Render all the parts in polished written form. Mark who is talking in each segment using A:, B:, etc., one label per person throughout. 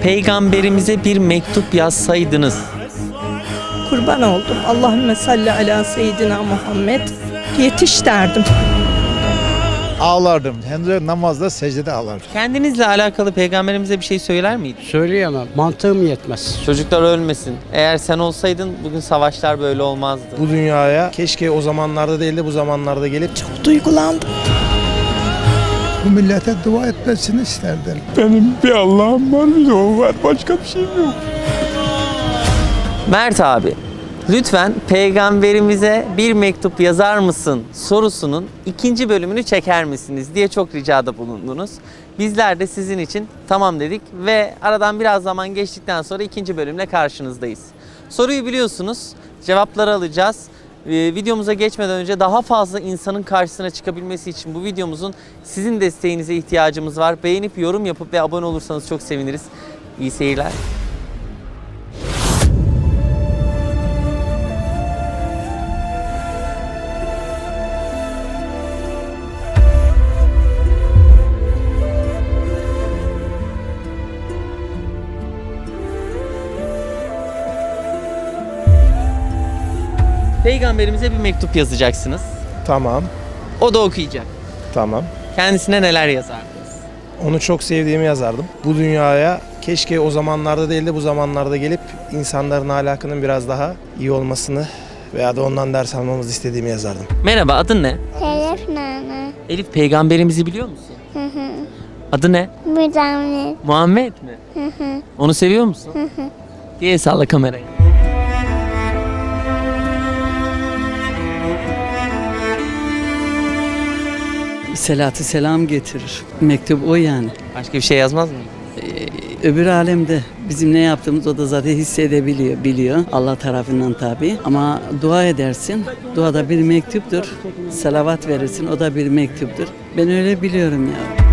A: Peygamberimize bir mektup yazsaydınız.
B: Kurban oldum. Allahümme salli ala seyyidina Muhammed. Yetiş derdim.
C: Ağlardım. Hem de namazda, secdede ağlardım.
A: Kendinizle alakalı peygamberimize bir şey söyler miydin?
D: Söyleyemem. Mantığım yetmez.
A: Çocuklar ölmesin. Eğer sen olsaydın bugün savaşlar böyle olmazdı.
C: Bu dünyaya keşke o zamanlarda değil de bu zamanlarda gelip
B: Çok duygulandım.
E: Bu millete dua etmesini isterdim.
F: Benim bir Allah'ım var, bir de o var. Başka bir şeyim yok.
A: Mert abi, lütfen peygamberimize bir mektup yazar mısın sorusunun 2. bölümünü çeker misiniz diye çok ricada bulundunuz. Bizler de sizin için tamam dedik ve aradan biraz zaman geçtikten sonra 2. bölümle karşınızdayız. Soruyu biliyorsunuz, cevapları alacağız. Videomuza geçmeden önce daha fazla insanın karşısına çıkabilmesi için bu videomuzun sizin desteğinize ihtiyacımız var. Beğenip yorum yapıp ve abone olursanız çok seviniriz. İyi seyirler. Peygamberimize bir mektup yazacaksınız.
C: tamam,
A: O da okuyacak.
C: tamam.
A: Kendisine neler yazardınız?
C: Onu çok sevdiğimi yazardım. Bu dünyaya keşke o zamanlarda değil de bu zamanlarda gelip insanların ahlakının biraz daha iyi olmasını veya da ondan ders almamızı istediğimi yazardım.
A: Merhaba, adın ne?
G: Elif Nana.
A: Elif, peygamberimizi biliyor musun?
G: Hı hı.
A: Adı ne?
G: Müdamlet.
A: Muhammed mi?
G: Hı hı.
A: Onu seviyor musun?
G: Hı hı.
A: Diye salla kamerayı.
H: Selatü selam getirir. Mektup o yani.
A: Başka bir şey yazmaz mı?
H: Öbür alemde bizim ne yaptığımız o da zaten hissedebiliyor, biliyor. Allah tarafından tabii. Ama dua edersin. Dua da bir mektuptur. Salavat verirsin. O da bir mektuptur. Ben öyle biliyorum ya.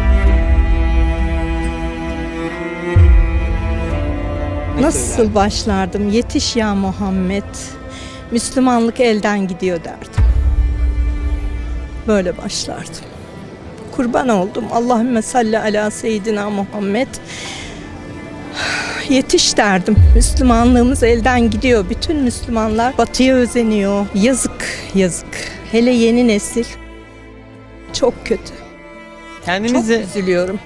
B: Nasıl başlardım? Yetiş ya Muhammed. Müslümanlık elden gidiyor derdim. Böyle başlardım. Kurban oldum. Allahümme salli ala seyyidina Muhammed. Yetiş derdim. Müslümanlığımız elden gidiyor. Bütün Müslümanlar batıya özeniyor. Yazık, yazık. Hele yeni nesil. Çok kötü. Çok
A: Kendinize,
B: üzülüyorum.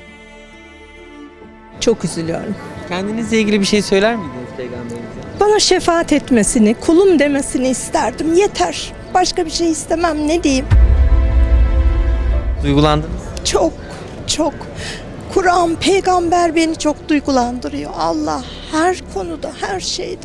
B: Çok üzülüyorum.
A: kendinizle ilgili bir şey söyler miydiniz peygamberimize?
B: Bana şefaat etmesini, kulum demesini isterdim. Yeter. Başka bir şey istemem. Ne diyeyim?
A: Duygulandınız.
B: Çok, çok. Kur'an, peygamber beni çok duygulandırıyor. Allah her konuda, her şeyde.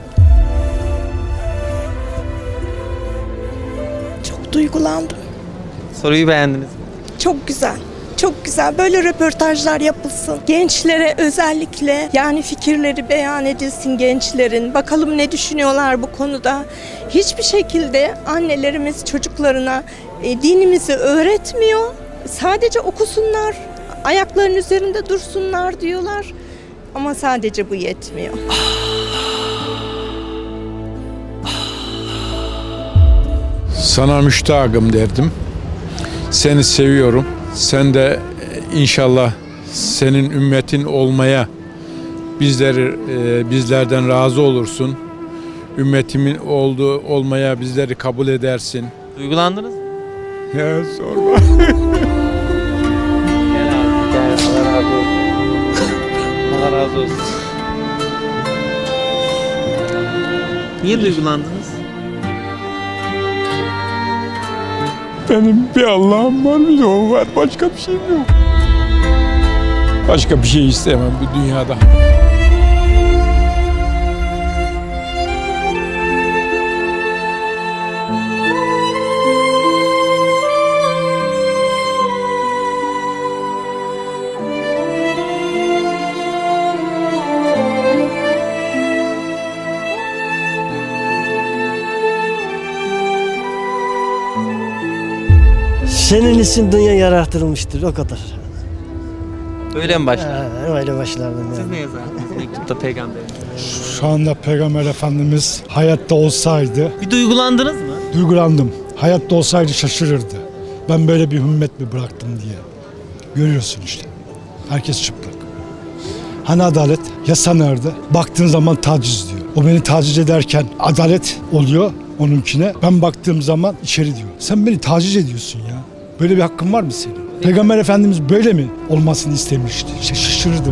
B: Çok duygulandım.
A: Soruyu beğendiniz mi?
B: Çok güzel. Çok güzel. Böyle röportajlar yapılsın. Gençlere özellikle yani fikirleri beyan edilsin gençlerin. Bakalım ne düşünüyorlar bu konuda. Hiçbir şekilde annelerimiz çocuklarına dinimizi öğretmiyor. Sadece okusunlar, ayaklarının üzerinde dursunlar diyorlar. Ama sadece bu yetmiyor.
F: Sana müştakım derdim. Seni seviyorum. Sen de inşallah senin ümmetin olmaya bizlerden razı olursun. Ümmetimin olmaya bizleri kabul edersin.
A: Duygulandınız mı?
F: Ya sorma.
A: Gel abi, gel. Allah razı olsun. Allah razı olsun. Niye duygulandınız?
F: Benim bir Allah'ım var, bir de o var. Başka bir şeyim yok. Başka bir şey istemem bu dünyada.
D: Senin için dünya yaratılmıştır, o kadar.
A: Öyle mi başladı?
D: Öyle başlardım
A: Siz
D: yani.
A: ne yazardınız mektupta peygamberimize?
E: Şu anda Peygamber Efendimiz hayatta olsaydı,
A: Bir duygulandınız mı?
E: duygulandım. Hayatta olsaydı şaşırırdı. Ben böyle bir ümmet mi bıraktım diye. Görüyorsun işte. Herkes çıplak. Hani adalet? Yasa nerede? Baktığın zaman taciz diyor. O beni taciz ederken adalet oluyor onunkine. Ben baktığım zaman içeri diyor. Sen beni taciz ediyorsun ya. Böyle bir hakkın var mı senin? Peygamber Efendimiz böyle mi olmasını istemişti? Şaşırırdım.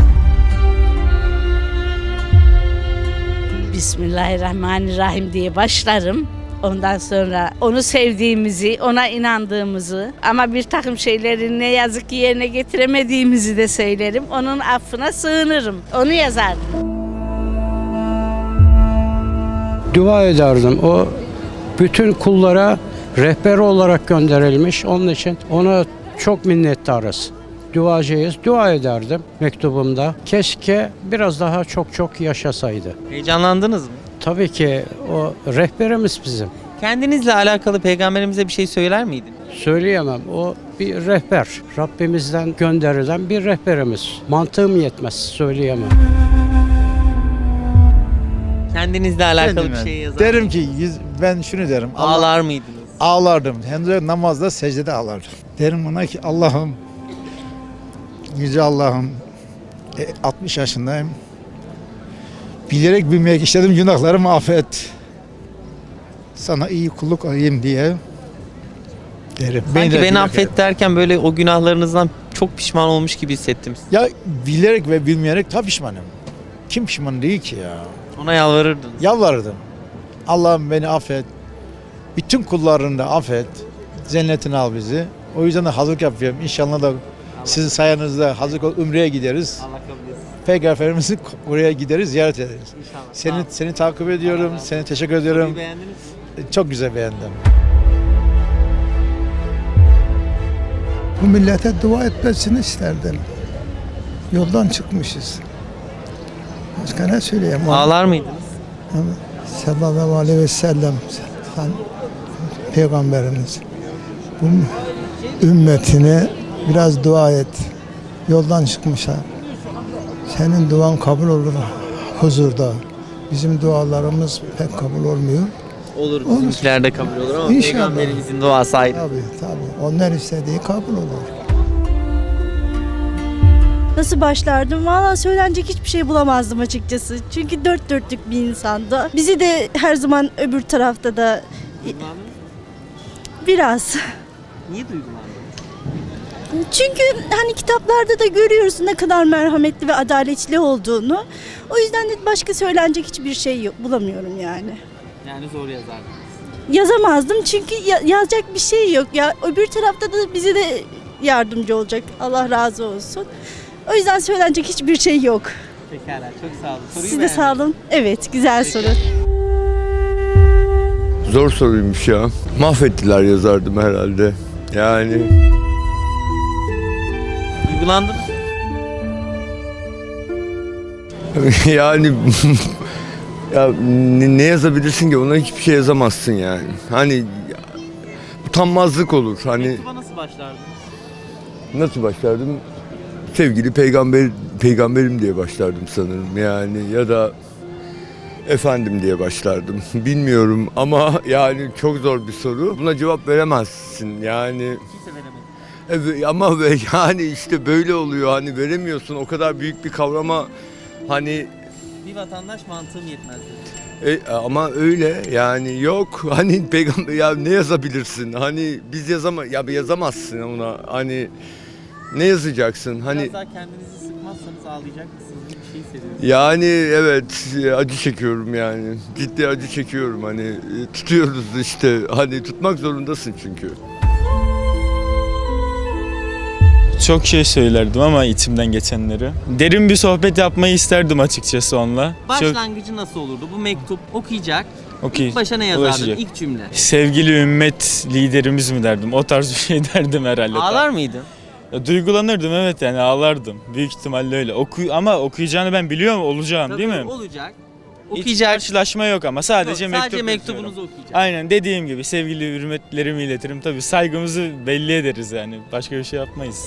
I: Bismillahirrahmanirrahim diye başlarım. Ondan sonra onu sevdiğimizi, ona inandığımızı ama bir takım şeyleri ne yazık ki yerine getiremediğimizi de söylerim. Onun affına sığınırım. Onu yazardım.
D: Dua ederdim. O bütün kullara rehber olarak gönderilmiş. Onun için ona çok minnettarız. Duacıyız. Dua ederdim mektubumda. Keşke biraz daha çok yaşasaydı.
A: Heyecanlandınız mı?
D: Tabii ki o rehberimiz bizim.
A: Kendinizle alakalı peygamberimize bir şey söyler miydiniz?
D: Söyleyemem. O bir rehber. Rabbimizden gönderilen bir rehberimiz. Mantığım yetmez. Söyleyemem.
A: Kendinizle alakalı
J: Kendime
A: bir şey yazar
J: derim
A: mıydınız?
J: ki ben şunu derim.
A: Ağlar mıydınız?
J: Ağlardım. Hem de namazda secdede ağlardım. Derim ona ki Allah'ım, yüce Allah'ım, 60 yaşındayım. Bilerek bilmeyerek işledim günahlarımı affet. Sana iyi kulluk olayım diye derim.
A: Sanki
J: de
A: beni
J: bilerek-
A: affet derken böyle o günahlarınızdan çok pişman olmuş gibi hissettim.
J: Ya bilerek ve bilmeyerek tabii pişmanım. Kim pişman değil ki ya?
A: Ona yalvarırdınız.
J: Yalvardım. Allah'ım beni affet. Bütün kullarını da affet. Cennetine al bizi. O yüzden de hazırlık yapıyorum. İnşallah da sizin sayenizde hazırlık olup Ümre'ye gideriz.
A: Allah kabul etsin.
J: Peygamberimizi oraya gideriz, ziyaret ederiz.
A: İnşallah.
J: Seni takip ediyorum.
A: Allah razı
J: Seni teşekkür ediyorum.
A: Soruyu beğendiniz mi?
J: Çok güzel beğendim.
K: Bu millete dua etmesini isterdim. Yoldan çıkmışız. Başka ne söyleyeyim?
A: Ağlar mıydınız?
K: Sallallahu aleyhi ve sellem sen peygamberimiz. Bu ümmetine biraz dua et. Yoldan çıkmışlar. Senin duan kabul olur huzurda. Bizim dualarımız pek kabul olmuyor.
A: Olur. Bizimkiler de kabul olur ama
K: İnşallah.
A: peygamberimizin duası ayrı.
K: Tabii. Onlar istediği kabul olur.
I: Nasıl başlardım? Valla söylenecek hiçbir şey bulamazdım açıkçası. Çünkü dört dörtlük bir insandı. Bizi de her zaman öbür tarafta da biraz.
A: Niye duygulandınız?
I: Çünkü hani kitaplarda da görüyoruz ne kadar merhametli ve adaletli olduğunu. O yüzden de başka söylenecek hiçbir şey yok, bulamıyorum yani.
A: Yani zor yazardınız.
I: Yazamazdım çünkü yazacak bir şey yok. Ya öbür tarafta da bize de yardımcı olacak. Allah razı olsun. O yüzden söylenecek hiçbir şey yok.
A: Pekala, çok sağ olun. Soruyu
I: Siz de
A: beğendiniz.
I: sağ olun. Evet, güzel soru.
L: Zor soruymuş ya. Mahvettiler yazardım herhalde. Yani
A: Duygulandınız mı?
L: yani ya ne yazabilirsin ki? Ona hiçbir şey yazamazsın yani. Hani utanmazlık olur. Hani
A: Mektuba nasıl başlardınız?
L: nasıl başlardım? Sevgili peygamberim diye başlardım sanırım yani, ya da efendim diye başlardım. Bilmiyorum ama yani çok zor bir soru. Buna cevap veremezsin yani.
A: Kimse veremedi.
L: Evet, ama yani işte böyle oluyor, hani veremiyorsun o kadar büyük bir kavrama, hani
A: Bir vatandaş mantığım yetmez dedi.
L: ama öyle yani, yok hani peygamber ya ne yazabilirsin, hani biz yazamazsın ona, hani ne yazacaksın hani,
A: Biraz daha kendinizi sıkmazsanız ağlayacak mısınız? Bir şey hissediyorum.
L: yani evet, acı çekiyorum yani, ciddi acı çekiyorum, hani tutuyoruz işte, hani tutmak zorundasın çünkü.
M: Çok şey söylerdim ama içimden geçenleri. Derin bir sohbet yapmayı isterdim açıkçası onunla.
A: Başlangıcı nasıl olurdu? Bu mektup okuyacak.
M: Okey.
A: İlk başa ne yazardın?
M: Ulaşacak.
A: İlk cümle.
M: Sevgili ümmet liderimiz mi derdim. O tarz bir şey derdim herhalde.
A: Ağlar mıydın?
M: Ya, duygulanırdım, evet, yani ağlardım. Büyük ihtimalle öyle. Ama okuyacağını ben biliyorum, olacağım
A: Tabii
M: değil mi?
A: olacak.
M: Hiç
A: Okuyacak.
M: karşılaşma yok ama sadece
A: Yok,
M: mektup
A: sadece
M: yazıyorum.
A: mektubunuzu okuyacak.
M: Aynen dediğim gibi sevgili hürmetlerimi iletirim. Tabii saygımızı belli ederiz yani. Başka bir şey yapmayız.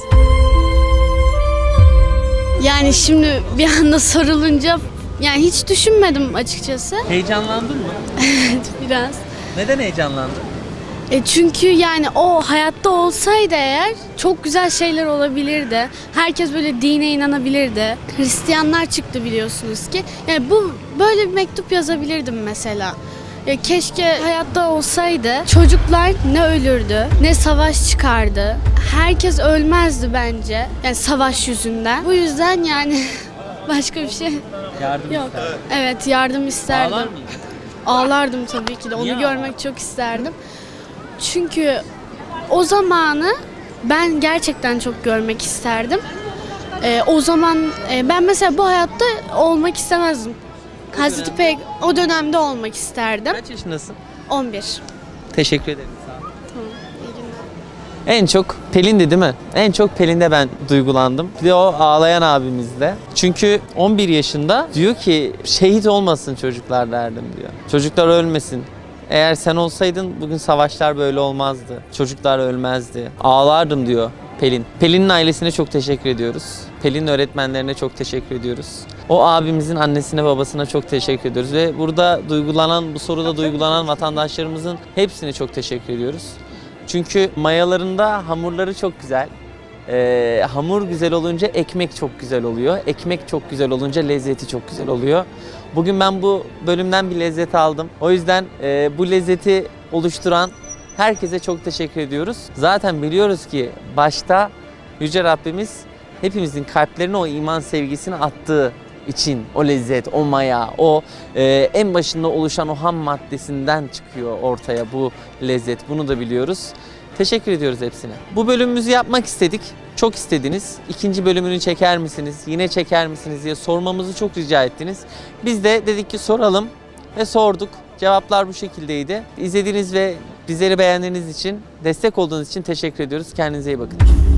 G: Yani şimdi bir anda sorulunca yani hiç düşünmedim açıkçası.
A: Heyecanlandın mı?
G: Biraz.
A: Neden heyecanlandın?
G: Çünkü yani o hayatta olsaydı eğer çok güzel şeyler olabilirdi. Herkes böyle dine inanabilirdi. Hristiyanlar çıktı biliyorsunuz ki. Yani bu böyle bir mektup yazabilirdim mesela. Keşke hayatta olsaydı çocuklar ne ölürdü ne savaş çıkardı. Herkes ölmezdi bence. Yani savaş yüzünden. Bu yüzden yani başka bir şey
A: Yardım
G: yok.
A: ister.
G: Evet, yardım isterdim.
A: Ağlar mıydın?
G: Ağlardım tabii ki de.
A: Niye
G: Onu görmek çok isterdim. Çünkü o zamanı ben gerçekten çok görmek isterdim. O zaman ben mesela bu hayatta olmak istemezdim. O dönemde olmak isterdim.
A: Kaç yaşındasın?
G: 11.
A: Teşekkür ederim. Sağ ol.
G: Tamam, iyi günler.
A: En çok Pelin'di değil mi? En çok Pelin'de ben duygulandım. Bir de o ağlayan abimizde. Çünkü 11 yaşında diyor ki şehit olmasın çocuklar derdim diyor. Çocuklar ölmesin. Eğer sen olsaydın bugün savaşlar böyle olmazdı. Çocuklar ölmezdi. Ağlardım diyor Pelin. Pelin'in ailesine çok teşekkür ediyoruz. Pelin'in öğretmenlerine çok teşekkür ediyoruz. O abimizin annesine babasına çok teşekkür ediyoruz. Ve burada duygulanan, bu soruda duygulanan vatandaşlarımızın hepsine çok teşekkür ediyoruz. Çünkü mayalarında hamurları çok güzel. Hamur güzel olunca ekmek çok güzel oluyor. Ekmek çok güzel olunca lezzeti çok güzel oluyor. Bugün ben bu bölümden bir lezzet aldım. O yüzden bu lezzeti oluşturan herkese çok teşekkür ediyoruz. Zaten biliyoruz ki başta Yüce Rabbimiz hepimizin kalplerine o iman sevgisini attığı için o lezzet, o maya, o en başında oluşan o ham maddesinden çıkıyor ortaya bu lezzet. Bunu da biliyoruz. Teşekkür ediyoruz hepsine. Bu bölümümüzü yapmak istedik. Çok istediniz. İkinci bölümünü çeker misiniz? Yine çeker misiniz diye sormamızı çok rica ettiniz. Biz de dedik ki soralım ve sorduk. Cevaplar bu şekildeydi. İzlediğiniz ve bizleri beğendiğiniz için, destek olduğunuz için teşekkür ediyoruz. Kendinize iyi bakın.